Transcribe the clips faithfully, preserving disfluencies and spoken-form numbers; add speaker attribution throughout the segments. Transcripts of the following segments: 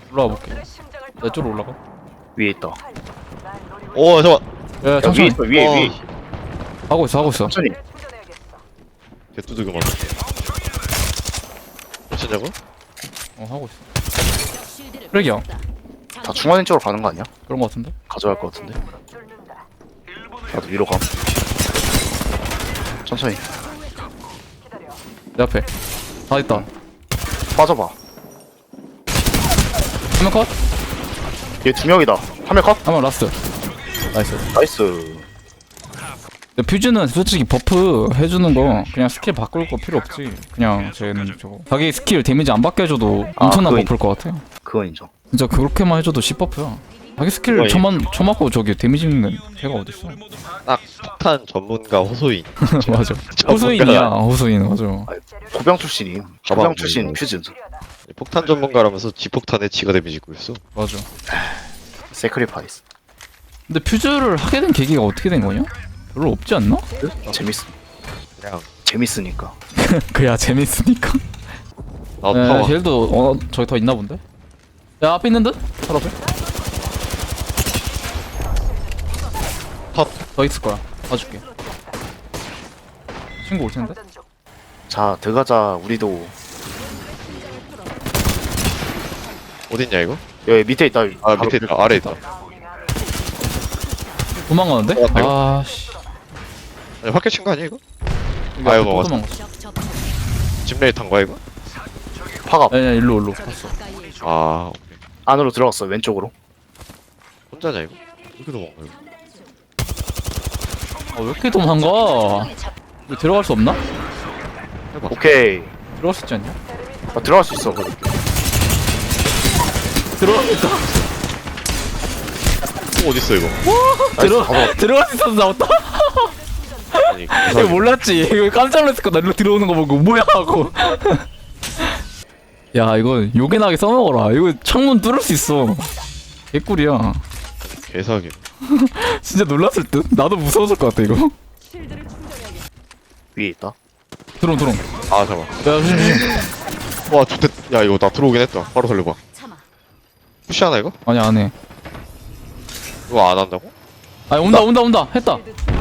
Speaker 1: 올라가 볼게. 내 쪽으로 올라가.
Speaker 2: 위에 있다.
Speaker 3: 오 잠깐.
Speaker 1: 야,
Speaker 2: 야, 위에
Speaker 1: 천천히.
Speaker 2: 있어, 위에,
Speaker 3: 어.
Speaker 2: 위에.
Speaker 1: 하고 있어, 하고 있어.
Speaker 2: 천천히.
Speaker 3: 개뚜드겨 맞아. 몇천냐고?
Speaker 1: 어, 하고 있어. 쓰레기야.
Speaker 2: 다 중앙인 쪽으로 가는 거 아니야?
Speaker 1: 그런 거 같은데?
Speaker 2: 가져갈 거 같은데. 나도 위로 가. 천천히.
Speaker 1: 내 앞에. 다 있다.
Speaker 2: 빠져봐.
Speaker 1: 한 명 컷?
Speaker 2: 얘 두 명이다. 한 명 컷?
Speaker 1: 한 명 라스트. 나이스.
Speaker 2: 나이스.
Speaker 1: 근데 퓨즈는 솔직히 버프 해주는 거 그냥 스킬 바꿀 거 필요 없지. 그냥 쟤는 저거 자기 스킬 데미지 안 받게 해줘도
Speaker 2: 아,
Speaker 1: 엄청난
Speaker 2: 그거
Speaker 1: 버프일 것 같아.
Speaker 2: 그건 인정.
Speaker 1: 진짜 그렇게만 해줘도 십 버프야. 자기 스킬
Speaker 3: 거의.
Speaker 1: 쳐만 쳐맞고 저기 데미지 있는 걔가 어딨어?
Speaker 3: 딱 폭탄 전문가 호소인.
Speaker 1: 맞아.
Speaker 3: 전문가가
Speaker 1: 호수인이야. 호수인 맞아.
Speaker 2: 포병 출신임.
Speaker 3: 가방
Speaker 2: 포병 출신
Speaker 3: 뭐.
Speaker 2: 퓨즈.
Speaker 3: 폭탄 전문가라면서 지폭탄에 지가 데미지 입고 있어.
Speaker 1: 맞아.
Speaker 2: 세크리파이스.
Speaker 1: 근데 퓨즈를 하게 된 계기가 어떻게 된 거냐? 별로 없지 않나?
Speaker 2: 재밌어.
Speaker 3: 그냥
Speaker 2: 재밌으니까.
Speaker 1: 그야 재밌으니까.
Speaker 3: 나
Speaker 1: 에,
Speaker 3: 타워.
Speaker 1: 힐도 어 저기 더 있나 본데? 야 앞에 있는 듯? 바로 앞에?
Speaker 3: 컷.
Speaker 1: 더 있을 거야. 봐줄게. 친구 올 텐데?
Speaker 2: 자, 들어가자. 우리도.
Speaker 3: 어딨냐 이거?
Speaker 2: 여기 밑에 있다.
Speaker 3: 아
Speaker 2: 바로
Speaker 3: 밑에 있다. 아래 있다.
Speaker 1: 도망가는데?
Speaker 3: 어, 내가-
Speaker 1: 아씨.
Speaker 3: 아니 확대 친거 아니야 이거?
Speaker 1: 여기
Speaker 3: 아유,
Speaker 1: 앞에 또
Speaker 3: 먹었어.
Speaker 1: 도망갔어.
Speaker 3: 집레이 탄 거야 이거?
Speaker 2: 파갑.
Speaker 1: 아니야 일로 일로 갔어.
Speaker 3: 아 오케이.
Speaker 2: 안으로 들어갔어. 왼쪽으로.
Speaker 3: 혼자냐 이거? 이렇게 도망가 이거?
Speaker 1: 아, 왜 이렇게 도망가? 이거 들어갈 수 없나?
Speaker 3: 해봐.
Speaker 2: 오케이.
Speaker 1: 들어갈 수 있지 않냐?
Speaker 2: 아, 들어갈 수 있어. 거기.
Speaker 1: 들어가겠다.
Speaker 3: 어, 어딨어 이거?
Speaker 1: 들어
Speaker 2: 봐봐.
Speaker 1: 들어갈 수 있어서 나왔다.
Speaker 3: 아니
Speaker 1: 이거 몰랐지. 이거 깜짝 놀랐을 거나 일로 들어오는 거 보고 뭐야 하고. 야 이거 요긴하게 써먹어라. 이거 창문 뚫을 수 있어. 개꿀이야.
Speaker 3: 개사기.
Speaker 1: 진짜 놀랐을 듯. 나도 무서웠을 것 같아 이거.
Speaker 2: 위에 있다.
Speaker 1: 드론 드론.
Speaker 3: 아 잠깐.
Speaker 1: 야 조심 조심.
Speaker 3: 와 좋댔. 야 이거 나 들어오긴 했다. 바로 살려봐. 푸시 하나 이거?
Speaker 1: 아니 안 해.
Speaker 3: 이거 안 한다고?
Speaker 1: 아니 온다 온다 온다. 했다.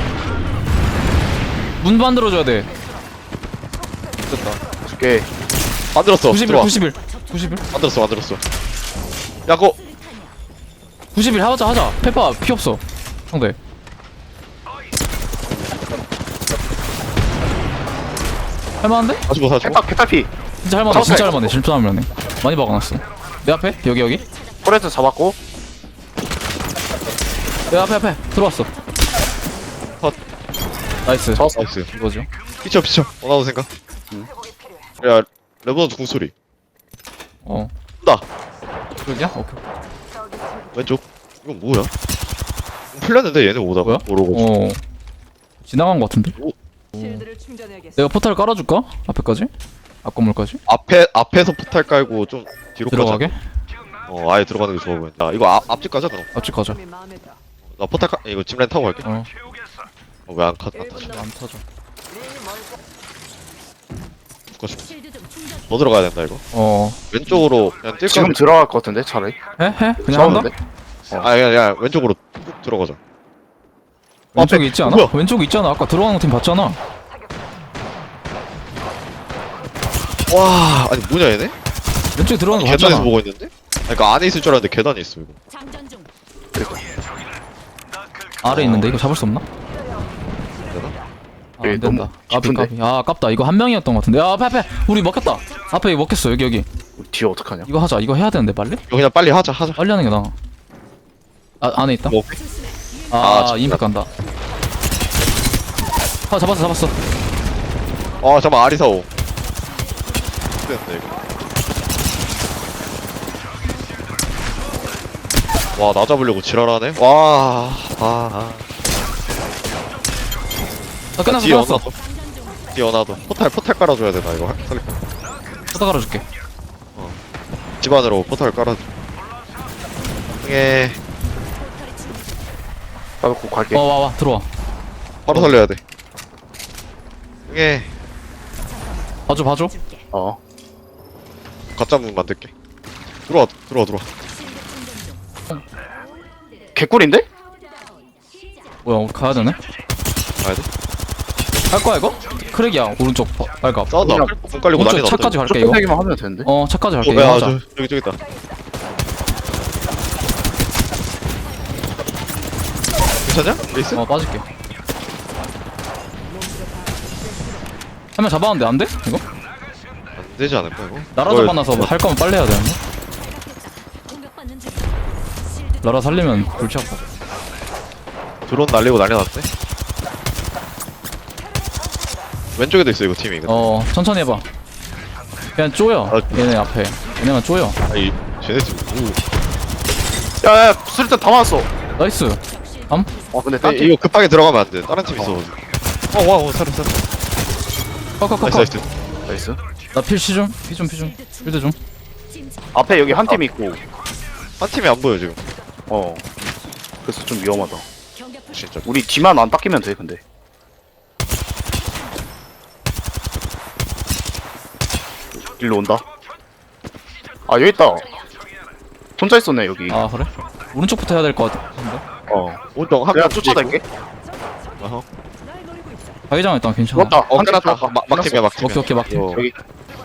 Speaker 1: 문 만들어줘야 돼. 됐다.
Speaker 2: 줄게.
Speaker 3: 만들었어.
Speaker 1: 구십일
Speaker 3: 들어와.
Speaker 1: 구십일 구십일
Speaker 3: 만들었어 만들었어. 야 그거
Speaker 1: 구십일 하자 하자. 페파 피 없어. 상대. 할만한데?
Speaker 3: 사주고 사주고.
Speaker 2: 개탈, 개탈피.
Speaker 1: 진짜 할만해. 진짜 할만해. 진짜 할만해. 많이 박아놨어. 내 앞에 여기 여기.
Speaker 2: 포레트 잡았고.
Speaker 1: 내 앞에 앞에 들어왔어.
Speaker 3: 컷.
Speaker 1: 나이스.
Speaker 2: 잡았어.
Speaker 3: 나이스.
Speaker 1: 이거죠.
Speaker 3: 피쳐 피쳐. 원하는 생각.
Speaker 2: 응.
Speaker 3: 야 레버넌트 궁소리.
Speaker 1: 어.
Speaker 3: 나
Speaker 1: 여기야? 오케이.
Speaker 3: 왼쪽. 이건 뭐야? 풀렸는데 얘네 오다가
Speaker 1: 뭐야?
Speaker 3: 오르고.
Speaker 1: 어. 지나간 것 같은데?
Speaker 4: 실드를 충전해야겠어.
Speaker 1: 내가 포탈 깔아줄까? 앞에까지? 앞 건물까지?
Speaker 3: 앞에 앞에서 포탈 깔고 좀 뒤로
Speaker 1: 들어가게?
Speaker 3: 가자. 어 아예 들어가는 게 좋아 보인다. 이거 앞 앞집 가자 그럼.
Speaker 1: 앞집 가자.
Speaker 4: 이 마음에 들어.
Speaker 3: 나 포탈 까 이거 집렌 타고 갈게.
Speaker 1: 어.
Speaker 3: 어, 왜안 카? 안 타지?
Speaker 1: 안 터져.
Speaker 3: 죽어줄게. 너 들어가야 된다 이거.
Speaker 1: 어.
Speaker 3: 왼쪽으로 그냥 뛸까?
Speaker 2: 지금 들어갈 것 같은데, 차라리.
Speaker 1: 해? 해? 그냥 한다?
Speaker 2: 싸우는데?
Speaker 3: 아 그냥 야 왼쪽으로 쭉 들어가자.
Speaker 1: 왼쪽에
Speaker 3: 앞에
Speaker 1: 있지 않아?
Speaker 3: 뭐야?
Speaker 1: 왼쪽에 있잖아. 아까 들어가는 팀 봤잖아.
Speaker 3: 와 아니 뭐냐 얘네?
Speaker 1: 왼쪽에 들어가는 거
Speaker 3: 계단에서
Speaker 1: 봤잖아.
Speaker 3: 보고 있는데? 아니, 그러니까 안에 있을 줄 알았는데 계단에 있어 이거.
Speaker 4: 장전 중.
Speaker 1: 아래 있는데 이거 잡을 수 없나?
Speaker 3: 되나?
Speaker 1: 아,
Speaker 2: 여기
Speaker 1: 안 된다.
Speaker 2: 너무
Speaker 1: 까비
Speaker 2: 깊은데?
Speaker 1: 까비. 아 아깝다. 이거 한 명이었던 것 같은데. 야 앞에 앞에. 우리 먹혔다. 앞에 이거 먹혔어. 여기 여기.
Speaker 2: 우리 뒤에 어떡하냐?
Speaker 1: 이거 하자. 이거 해야 되는데 빨리?
Speaker 3: 이거 그냥 빨리 하자 하자.
Speaker 1: 빨리 하는 게 나아. 아 안에 있다.
Speaker 3: 뭐
Speaker 1: 아,
Speaker 3: 아,
Speaker 1: 아
Speaker 3: 진짜.
Speaker 1: 임팩 간다. 아 잡았어 잡았어.
Speaker 3: 아 잠깐 아리사오. 됐네 이거. 와 나 잡으려고 지랄하네. 와. 아. 아.
Speaker 1: 아 끝났어
Speaker 3: 뒤에
Speaker 1: 끝났어.
Speaker 3: 어나도. 뒤에 어나도. 포탈 포탈 깔아줘야 되나 이거 살릴 거.
Speaker 1: 포타 깔아줄게.
Speaker 3: 집 안으로 포탈 깔아줘. 예.
Speaker 2: 나도 곧 갈게.
Speaker 1: 어 와 와 들어와.
Speaker 3: 바로 살려야 돼. 예.
Speaker 1: 봐줘 봐줘.
Speaker 2: 어.
Speaker 3: 가짜 문 만들게. 들어와 들어와 들어와.
Speaker 2: 개꿀인데?
Speaker 1: 뭐야 우리 가야 되네?
Speaker 3: 가야 돼?
Speaker 1: 할 거야 이거? 크랙이야 오른쪽 바- 발갑.
Speaker 3: 싸운다.
Speaker 2: 그냥
Speaker 3: 공 깔리고 난리
Speaker 1: 오른쪽
Speaker 3: 났다.
Speaker 1: 차까지 갈게
Speaker 2: 쭉
Speaker 1: 이거.
Speaker 2: 빼기만 하면 되는데?
Speaker 1: 어 차까지 갈게
Speaker 3: 어,
Speaker 1: 이거
Speaker 3: 야,
Speaker 1: 하자.
Speaker 3: 저, 저기 저기 있다. 괜찮냐? 레이스?
Speaker 1: 어 빠질게. 한 명 잡았는데 안 돼? 이거?
Speaker 3: 안 되지 않을까 이거?
Speaker 1: 나라
Speaker 3: 이거
Speaker 1: 잡아놔서 뭐 할 거면 빨리 해야 되는데? 나라 살리면 골치 아파.
Speaker 3: 드론 날리고 난리 났대. 왼쪽에도 있어 이거 팀이. 근데.
Speaker 1: 어 천천히 해봐. 그냥 쪼여.
Speaker 3: 아,
Speaker 1: 얘네 앞에. 얘네만 쪼여.
Speaker 3: 아니 쟤네 팀. 오.
Speaker 2: 야야 수류탄 다 맞았어.
Speaker 1: 나이스. 암?
Speaker 2: 아 근데
Speaker 3: 아,
Speaker 2: 딴 팀.
Speaker 3: 이거 급하게 들어가면 안 돼. 다른 팀 있어. 어와 어, 살아 살아.
Speaker 1: 컷컷컷.
Speaker 3: 나이스 나이스.
Speaker 2: 나이스.
Speaker 1: 나필 시좀. 피좀 피좀. 필드 좀.
Speaker 2: 앞에 여기 한 팀 있고.
Speaker 3: 한 팀이 안 보여 지금.
Speaker 2: 어. 그래서 좀 위험하다.
Speaker 3: 진짜.
Speaker 2: 우리 뒤만 안 닦이면 돼 근데. 일로 온다. 아 여기 있다. 혼자 있었네 여기.
Speaker 1: 아 그래? 오른쪽부터 해야 될 것 같은데?
Speaker 2: 어.
Speaker 3: 오른쪽 한
Speaker 2: 내가
Speaker 3: 명
Speaker 2: 쫓아갈게.
Speaker 3: 어허.
Speaker 1: 자기장 일단 괜찮아.
Speaker 2: 맞다.
Speaker 3: 어
Speaker 2: 한
Speaker 3: 끝났다.
Speaker 2: 팀
Speaker 3: 막- 막팀이야 막팀.
Speaker 1: 오케이 오케이 막팀.
Speaker 3: 어.
Speaker 2: 여기.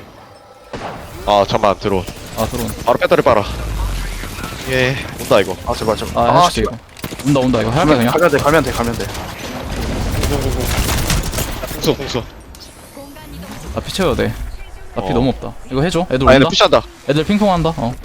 Speaker 3: 아 잠만 들어.
Speaker 1: 아 들어온.
Speaker 3: 바로 배터리 빨아. 예 온다 이거.
Speaker 2: 아 제발 제발.
Speaker 1: 아 해줄게 이거. 온다 온다 이거 할게 그냥.
Speaker 2: 가면 돼 가면 돼 가면 돼.
Speaker 3: 공수 공수.
Speaker 1: 나 피 채워야 돼. 나 피
Speaker 3: 어.
Speaker 1: 너무 없다. 이거 해줘. 애들
Speaker 3: 아 얘네
Speaker 1: 온다.
Speaker 3: 푸시한다.
Speaker 1: 애들 핑퐁 한다. 어.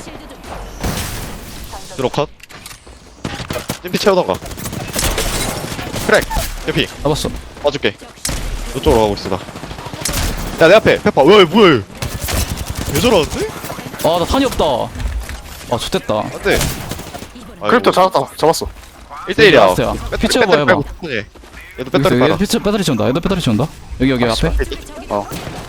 Speaker 3: 들어 컷. 찜피 채우던가. 크랙. 예피.
Speaker 1: 잡았어.
Speaker 3: 봐줄게. 이쪽으로 가고 있어 나. 야 내 앞에 페퍼. 왜 뭐야? 얘. 왜 저러는데?
Speaker 1: 아 나 탄이 없다. 아 좋됐다.
Speaker 3: 안돼.
Speaker 2: 크립토 잡았다. 잡았어.
Speaker 3: 일 대 일이야.
Speaker 1: 라스트야. 피 채워봐 해봐.
Speaker 3: 얘도 배터리
Speaker 1: 여기
Speaker 3: 빨아.
Speaker 1: 배터리, 배터리 채운다. 얘도 배터리 채운다. 여기 여기 앞에
Speaker 2: 어.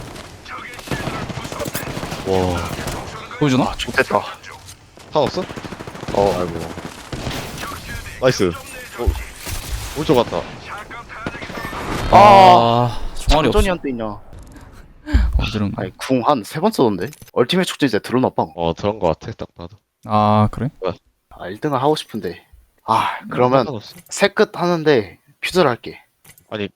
Speaker 3: 와.
Speaker 1: 보여주나?
Speaker 2: 좋겠다.
Speaker 3: 탄 없어?
Speaker 2: 어 아이고.
Speaker 3: 나이스. 어. 오른쪽 갔다.
Speaker 2: 아.
Speaker 1: 아 총알이 없어.
Speaker 2: 장전이한테 있냐?
Speaker 1: 어디론?
Speaker 2: 아니 궁 한 세 번 썼는데? 얼티메트 축제 이제 드론 나빵.
Speaker 3: 어 그런 거 같아 딱 봐도.
Speaker 1: 아 그래?
Speaker 2: 아 일 등을 하고 싶은데. 아 그러면
Speaker 3: 상관없어.
Speaker 2: 세 끝 하는데 퓨즈를 할게.
Speaker 3: 아니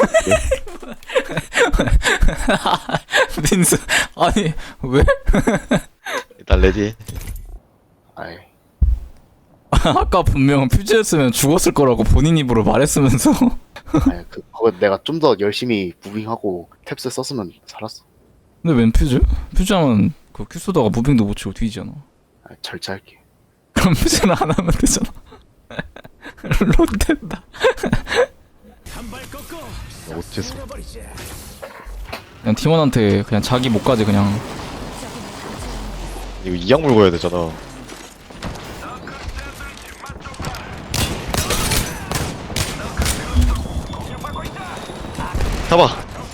Speaker 1: 민수 아니 왜?
Speaker 3: 일단 레디.
Speaker 2: 아이.
Speaker 1: 아까 분명 퓨즈였으면 죽었을 거라고 본인 입으로 말했으면서.
Speaker 2: 아니 그 그거 내가 좀 더 열심히 무빙하고 탭스 썼으면 살았어.
Speaker 1: 근데 웬 퓨즈? 퓨즈하면 그 큐 쏘다가 무빙도 못 치고 뒤지잖아.
Speaker 2: 아, 절제할게.
Speaker 1: 그럼 퓨즈는 안 하면 되잖아. 롯된다.
Speaker 3: 어째서?
Speaker 1: 그냥 팀원한테 그냥 자기 목까지 그냥.
Speaker 3: 이거 이악 물고 해야 되잖아. 잡아.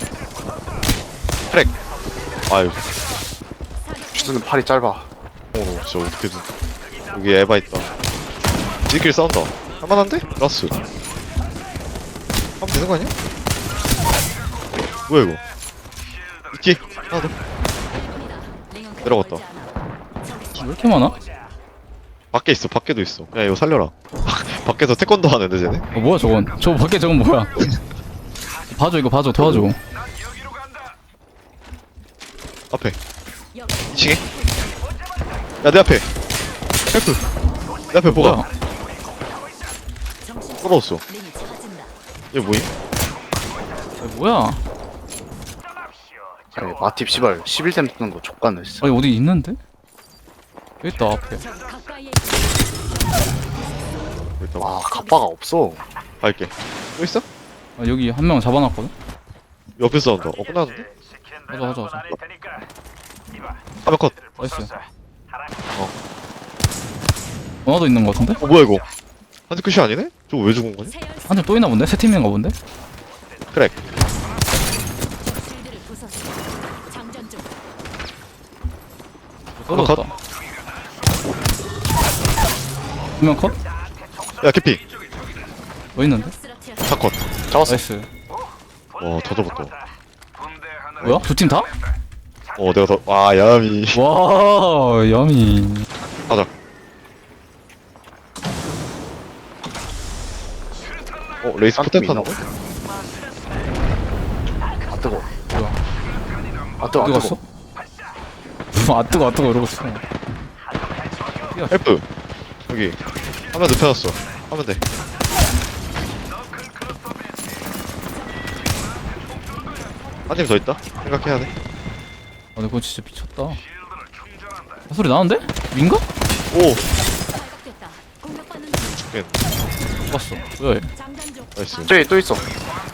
Speaker 3: 트랙. 아유.
Speaker 2: 퓨즈는 팔이 짧아.
Speaker 3: 어, 진짜 어떻게든. 여기 에바 있다. 지킬 싸운다. 할만한데? 라스. 하면 되는 거 아니야? 뭐야 이거? 있기? 하나 더. 내려갔다.
Speaker 1: 왜 이렇게 많아?
Speaker 3: 밖에 있어. 밖에도 있어. 야 이거 살려라. 밖에서 태권도 하는데 쟤네?
Speaker 1: 어 뭐야 저건? 저 밖에 저건 뭐야? 봐줘 이거 봐줘 도와줘.
Speaker 3: 앞에. 이 층에? 야 내 앞에. 헬프. 내 앞에 뭐가?
Speaker 1: 뭐야?
Speaker 3: 떨어졌어. 얘 뭐임?
Speaker 1: 야, 뭐야?
Speaker 2: 아니 마팁 시발 십일 템 쓰는 거 족가네 진짜.
Speaker 1: 아니 어디 있는데? 여기 있다 앞에.
Speaker 3: 일단
Speaker 2: 와 갑바가 없어.
Speaker 3: 갈게. 또 있어?
Speaker 1: 아, 여기 한 명 잡아놨거든?
Speaker 3: 옆에 싸운다. 어 끝났는데?
Speaker 1: 가자 가자 가자.
Speaker 3: 하면 컷.
Speaker 1: 나이스.
Speaker 3: 어.
Speaker 1: 원화도 있는 거 같은데?
Speaker 3: 어 뭐야 이거? 한대 끝이 아니네? 저거 왜 죽은 거지?
Speaker 1: 한 팀 또 있나 본데? 세 팀인가 본데?
Speaker 3: 크랙.
Speaker 1: 떨어졌다. 한명 컷?
Speaker 3: 야 캐피.
Speaker 1: 뭐 있는데?
Speaker 3: 다 컷.
Speaker 2: 잡았어.
Speaker 1: 나이스.
Speaker 3: 와다 잡았다.
Speaker 1: 뭐야? 두 팀 다?
Speaker 3: 어 내가 더아 야미
Speaker 1: 와 야미.
Speaker 3: 가자. 어 레이스 포텐 타는 거?
Speaker 2: 아 뜨거.
Speaker 1: 뭐야?
Speaker 2: 아 뜨거.
Speaker 1: 어디
Speaker 2: 아
Speaker 1: 갔어?
Speaker 2: 뜨거.
Speaker 1: 아 뜨거 아 뜨거 이러고 있어.
Speaker 3: 헬프 여기 화면 눕혀놨어. 하면 돼. 한 팀 더 있다? 생각해야 돼.
Speaker 1: 아 근데 그건 진짜 미쳤다. 아, 소리 나는데? 민가?
Speaker 3: 오!
Speaker 5: 발각됐다. 공격받는 중.
Speaker 3: 죽겠네.
Speaker 1: 봤어. 뭐야 얘?
Speaker 5: 장단 중.
Speaker 3: 나이스.
Speaker 2: 저기 또 있어.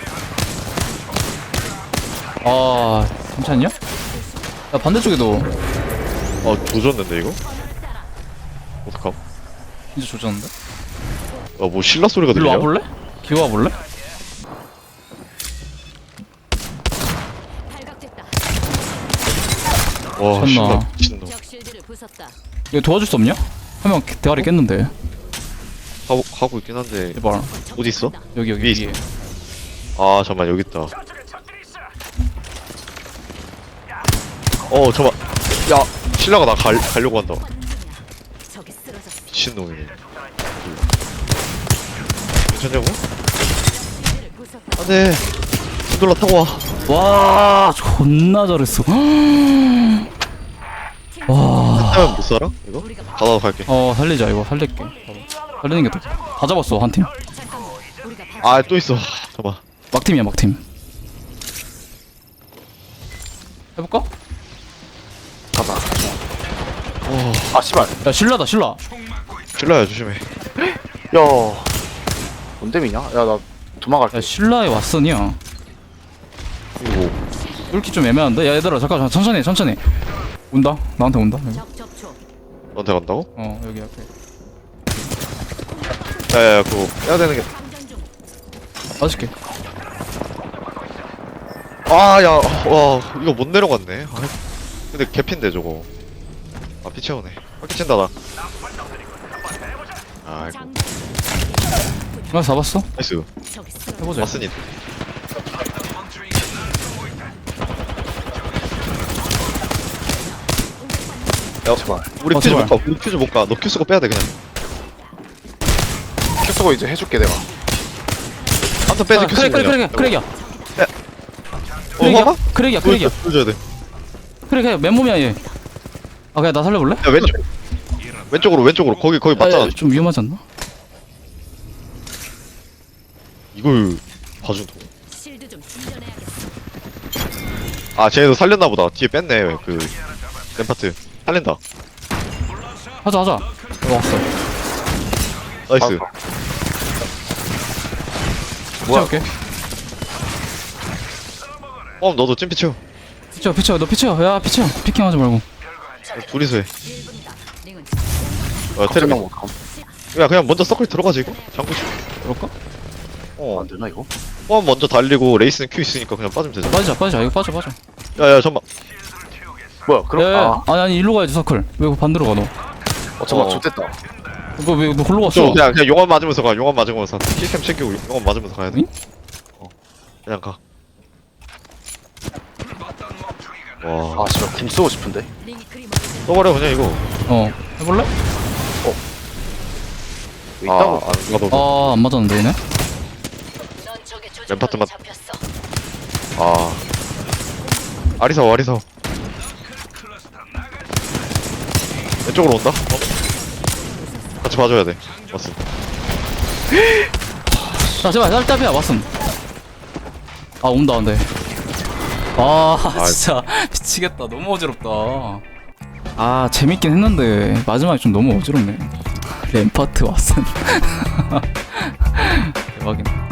Speaker 1: 아 괜찮냐? 야 반대쪽에도
Speaker 3: 어 조졌는데 이거? 어떡함?
Speaker 1: 진짜 조졌는데?
Speaker 3: 아뭐 신라 소리가
Speaker 1: 일로
Speaker 3: 들려?
Speaker 1: 와볼래? 기어 와볼래?
Speaker 5: 발각됐다.
Speaker 3: 와
Speaker 1: 미쳤나.
Speaker 3: 신라 미친놈.
Speaker 5: 적 실드를 부쉈다.
Speaker 1: 이거 도와줄 수 없냐? 한 명 대가리 깼는데.
Speaker 3: 하고, 하고 있긴 한데
Speaker 1: 제발
Speaker 3: 어디 있어?
Speaker 1: 여기 여기
Speaker 3: 위에
Speaker 1: 위에.
Speaker 3: 아 잠만 여기 있다. 어 잠만. 야 신라가 나 갈, 가려고 한다.
Speaker 5: 적이 쓰러졌어.
Speaker 3: 미친놈이네. 괜찮냐고?
Speaker 5: 실드를 부쉈다.
Speaker 3: 안돼. 신돌라 타고 와.
Speaker 1: 와 존나 잘했어. 와.
Speaker 3: 타면 못 살아? 이거?
Speaker 5: 우리가
Speaker 3: 가다가 갈게.
Speaker 1: 어 살리자 이거 살릴게. 살리는 게 더. 다 잡았어 한 팀.
Speaker 5: 잠깐만. 우리가 발-
Speaker 3: 아 또 있어. 잠만.
Speaker 1: 막팀이야 막팀. 해볼까?
Speaker 2: 가자.
Speaker 3: 와
Speaker 2: 아 씨발.
Speaker 1: 야 신라다 신라.
Speaker 3: 신라야 조심해.
Speaker 2: 야. 뭔데미냐? 야 나 도망갈게.
Speaker 1: 야 신라의 왓슨이야.
Speaker 3: 이거
Speaker 1: 뚫기 좀 애매한데? 야 얘들아 잠깐 천천히 해, 천천히. 온다 나한테 온다. 여기.
Speaker 5: 적 접촉.
Speaker 3: 너한테 간다고?
Speaker 1: 어 여기 앞에.
Speaker 3: 야야야 그거 빼야 되는 게.
Speaker 5: 장전 중.
Speaker 1: 맞을게.
Speaker 3: 아야 와 이거 못 내려갔네. 아, 근데 개핀데 저거. 아 피채우네. 바퀴 친다 나. 아이고
Speaker 5: 장전.
Speaker 1: 나 잡았어?
Speaker 3: 나이스.
Speaker 5: 적이 쓰러졌어.
Speaker 1: 해보자.
Speaker 3: 왔으니. 야
Speaker 2: 제발.
Speaker 3: 우리
Speaker 1: 어,
Speaker 3: 퓨즈
Speaker 1: 제발.
Speaker 3: 못 가. 우리 퓨즈 못 가. 너 큐 쓰고 빼야 돼 그냥.
Speaker 2: 큐 쓰고 이제 해줄게 내가.
Speaker 3: 한턴 빼지
Speaker 1: 아,
Speaker 3: 큐
Speaker 1: 크랙
Speaker 3: 쓰고.
Speaker 1: 크랙 크랙 크랙이야.
Speaker 3: 어
Speaker 1: 크랙이야?
Speaker 3: 봐봐.
Speaker 1: 크랙이야 크랙이야.
Speaker 3: 보여줘야 돼.
Speaker 1: 크랙해 맨몸이야 얘. 아 그냥 나 살려볼래?
Speaker 3: 야 왼쪽. 왼쪽으로 왼쪽으로 거기 거기 맞잖아.
Speaker 1: 아, 좀 위험하지 않나?
Speaker 3: 이걸 봐준다.
Speaker 5: 실드 좀 충전해야겠어.
Speaker 3: 아 쟤도 살렸나 보다. 뒤에 뺐네 그 램파트. 살린다.
Speaker 1: 하자 하자. 이거 왔어.
Speaker 3: 나이스.
Speaker 2: 아,
Speaker 1: 뭐야? 피쳐올게.
Speaker 3: 어 너도 찜피 채워.
Speaker 1: 피쳐 피쳐 너 피쳐. 야 피쳐. 피킹하지 말고.
Speaker 3: 둘이서 해.
Speaker 5: 일 분이다. 링은
Speaker 3: 어
Speaker 2: 테레
Speaker 3: 테레비.
Speaker 2: 못 감.
Speaker 3: 야 그냥 먼저 서클 들어가지 이거. 잠고 싶어.
Speaker 1: 그럴까?
Speaker 3: 어.
Speaker 2: 안 되나 이거?
Speaker 3: 포함 먼저 달리고 레이스는 큐 있으니까 그냥 빠지면 되잖아.
Speaker 1: 빠지자 빠지자. 이거 빠져 빠져.
Speaker 3: 야야 잠만.
Speaker 2: 뭐야? 그럼
Speaker 1: 야, 야,
Speaker 2: 아,
Speaker 1: 아니 아니 일로 가야지 서클. 왜 반대로 가 너?
Speaker 2: 어 잠깐
Speaker 3: 어.
Speaker 2: 좋됐다.
Speaker 1: 이거 왜너 골로 갔어?
Speaker 3: 저 그냥 그냥 용암 맞으면서 가. 용암 맞으면서 킬캠 챙기고 용암 맞으면서 가야 돼.
Speaker 1: 응?
Speaker 3: 어. 그냥 가. 와.
Speaker 2: 아 씨발 궁 쓰고 싶은데.
Speaker 5: 링이 그림
Speaker 3: 써버려 그냥 이거.
Speaker 1: 어 해볼래?
Speaker 2: 왜 있다고?
Speaker 3: 아, 안 가도.
Speaker 1: 아 안 맞았는데 얘네?
Speaker 5: 넌 적의
Speaker 3: 램파트만-
Speaker 5: 조종권에 잡혔어.
Speaker 3: 아. 아리사오 아리사오. 왼쪽으로 온다. 어? 같이 봐줘야 돼. 왔어.
Speaker 1: 자 제발 짤답이야 왔음. 아 온다 근데. 아 진짜 미치겠다. 너무 어지럽다. 아 재밌긴 했는데 마지막에 좀 너무 어지럽네. 램파트 왔음. 대박이네.